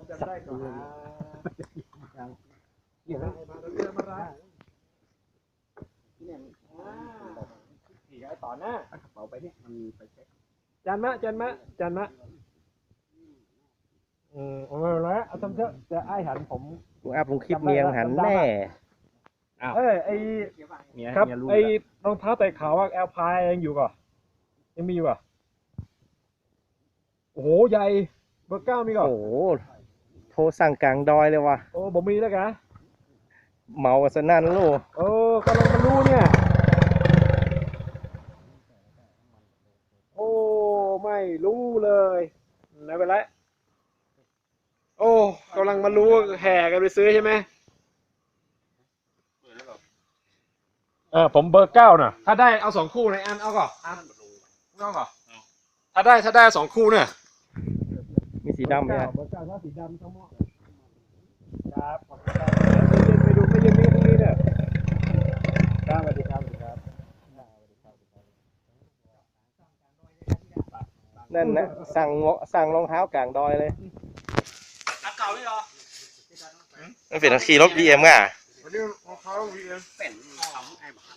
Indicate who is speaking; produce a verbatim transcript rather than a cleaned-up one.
Speaker 1: จำได้ก่อนเดี๋ยวมาเรื่องมาละนี่ไอ้ต่อหน้ากระเป๋าไปเนี่ยมันไปเช็คจันมะจันมะจันมะอืมเอาละเอาทำเถอะจะไอ้หันผม
Speaker 2: กูอัพลงคลิปเมียงหันแน่
Speaker 1: เอ้ยไอครับไอรองเท้าแตะขาวว่าแอลพายยังอยู่ก่อนยังมีอยู่อ่ะโอ้โหใหญ่เบอร์เก้ามีก่อน
Speaker 2: โอ้โหโทรสั่งกลางดอยเลยว่ะ
Speaker 1: โอ้บ่มีแล้วกะ
Speaker 2: เมากันซะนั่นลูก
Speaker 1: โอ้กำลังมารู้เนี่ยโอ้ไม่รู้เลยไม่เป็นไรโอ้กำลังมารู้แห่กันไปซื้อใช่ไหมเออผมเบอร์เก้าน่ะถ้าได้เอาสองคู่ในอันเอาก่อนอันเอาก่อนถ้าได้ถ้าได้สองคู่เนี่ย
Speaker 2: มีสีดำไหม
Speaker 1: เบอร์
Speaker 2: ฮะ
Speaker 1: เก้าเบอร์เก้าถ้าสีดำทั้งหมดครับขอบคุณครับไปดูไม่เย็นนี้พรุ่งนี้เนี่ยครับสวัสดีครับสวัสดีครับ
Speaker 2: นั่นนะสั่งสั่งรองเท้ากลางดอยเลย
Speaker 1: อันเก่าเลยเหรอ
Speaker 2: มันเป็นขี่รถบีเอ็มอ่ะ
Speaker 1: วันนี้รองเท้าวีเอ็ม
Speaker 3: เป็นทำไอ้หมา